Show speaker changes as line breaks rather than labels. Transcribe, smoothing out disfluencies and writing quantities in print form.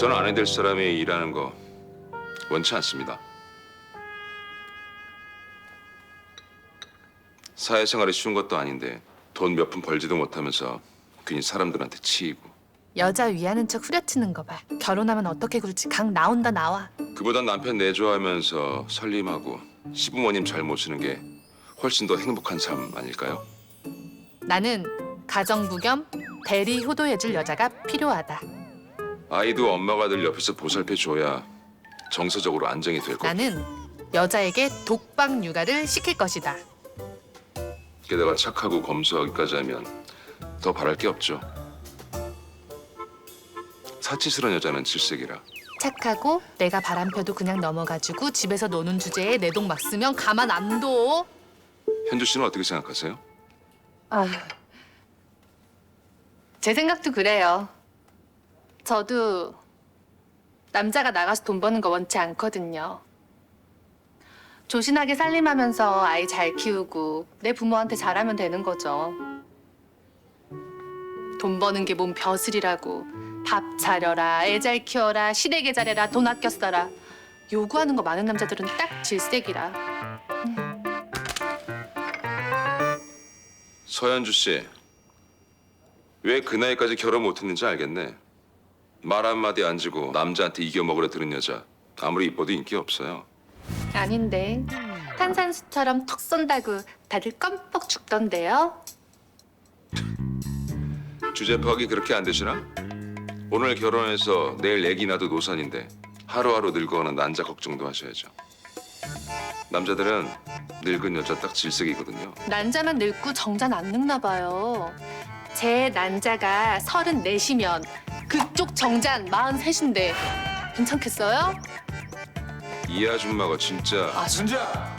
저는 아내 될 사람이 일하는 거 원치 않습니다. 사회생활이 쉬운 것도 아닌데 돈 몇 푼 벌지도 못하면서 괜히 사람들한테 치이고.
여자 위하는 척 후려치는 거 봐. 결혼하면 어떻게 굴지 각 나온다 나와.
그보단 남편 내조하면서 살림하고 시부모님 잘 모시는 게 훨씬 더 행복한 삶 아닐까요?
나는 가정부 겸 대리 효도해줄 여자가 필요하다.
아이도 엄마가 늘 옆에서 보살펴줘야 정서적으로 안정이 될 거고.
나는 여자에게 독박 육아를 시킬 것이다.
게다가 착하고 검소하기까지 하면 더 바랄 게 없죠. 사치스러운 여자는 질색이라.
착하고 내가 바람 펴도 그냥 넘어가지고 집에서 노는 주제에 내 돈 막 쓰면 가만 안 둬.
현주 씨는 어떻게 생각하세요?
제 생각도 그래요. 저도 남자가 나가서 돈 버는 거 원치 않거든요. 조신하게 살림하면서 아이 잘 키우고 내 부모한테 잘하면 되는 거죠. 돈 버는 게 몸 벼슬이라고 밥 차려라, 애 잘 키워라, 시댁에 잘해라, 돈 아껴 써라. 요구하는 거 많은 남자들은 딱 질색이라.
서현주 씨, 왜 그 나이까지 결혼 못했는지 알겠네. 말 한마디 안 지고 남자한테 이겨먹으려 드는 여자 아무리 이뻐도 인기 없어요.
아닌데 탄산수처럼 턱 쏜다고 다들 껌뻑 죽던데요.
주제 파악이 그렇게 안 되시나? 오늘 결혼해서 내일 애기 낳아도 노산인데 하루하루 늙어가는 난자 걱정도 하셔야죠. 남자들은 늙은 여자 딱 질색이거든요.
난자만 늙고 정자는 안 늙나 봐요. 제 난자가 34시면 그쪽 정자는 43인데 괜찮겠어요?
이 아줌마가 진짜.
준지야,